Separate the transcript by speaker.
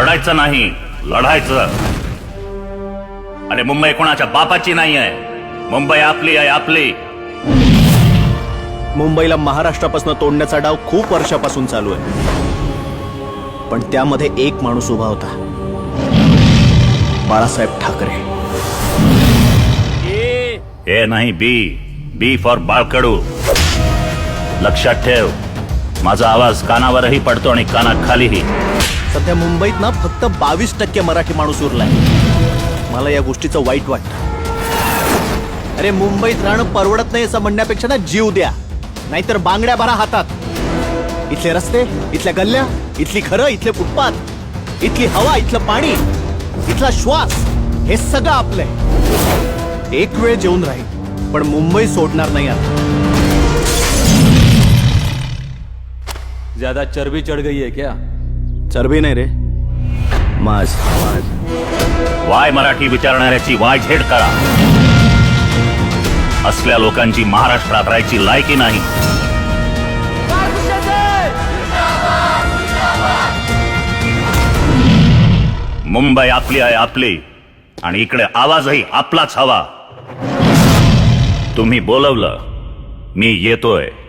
Speaker 1: रडायचं नाही, लढायचं. अरे मुंबई कोणाच्या बापाची नाही आहे, मुंबई आपली आहे, आपली.
Speaker 2: मुंबईला महाराष्ट्रापासून तोडण्याचा डाव खूप वर्षापासून चालू आहे, पण त्यामध्ये एक माणूस उभा होता, बाळासाहेब ठाकरे.
Speaker 1: ए नाही, बी फॉर बाळकडू. लक्षात ठेव, माझा आवाज कानावरही पडतो आणि कानाखालीही.
Speaker 2: सध्या मुंबईत ना फक्त 22% मराठी माणूस उरलाय. मला या गोष्टीचं वाईट वाटतं. अरे मुंबईत राहणं परवडत नाही असं म्हणण्यापेक्षा ना जीव द्या, नाहीतर बांगड्या भरा हातात. इथले रस्ते, इथल्या गल्ल्या, इथली घरं, इथले फुटपाथ, इथली हवा, इथलं पाणी, इथला श्वास, हे सगळं आपलंय. एक वेळ जेवून राहील, पण मुंबई सोडणार नाही आता.
Speaker 3: ज्यादा चर्बी चढ़ गई है क्या?
Speaker 2: चरबी नाही रे, माज.
Speaker 1: वाय मराठी विचारणाऱ्याची वाय झेड करा. असल्या लोकांची महाराष्ट्रात राहायची लायकी नाही. मुंबई आपली आहे, आपली, आणि इकडे आवाजही आपलाच हवा. तुम्ही बोलवलं, मी येतोय.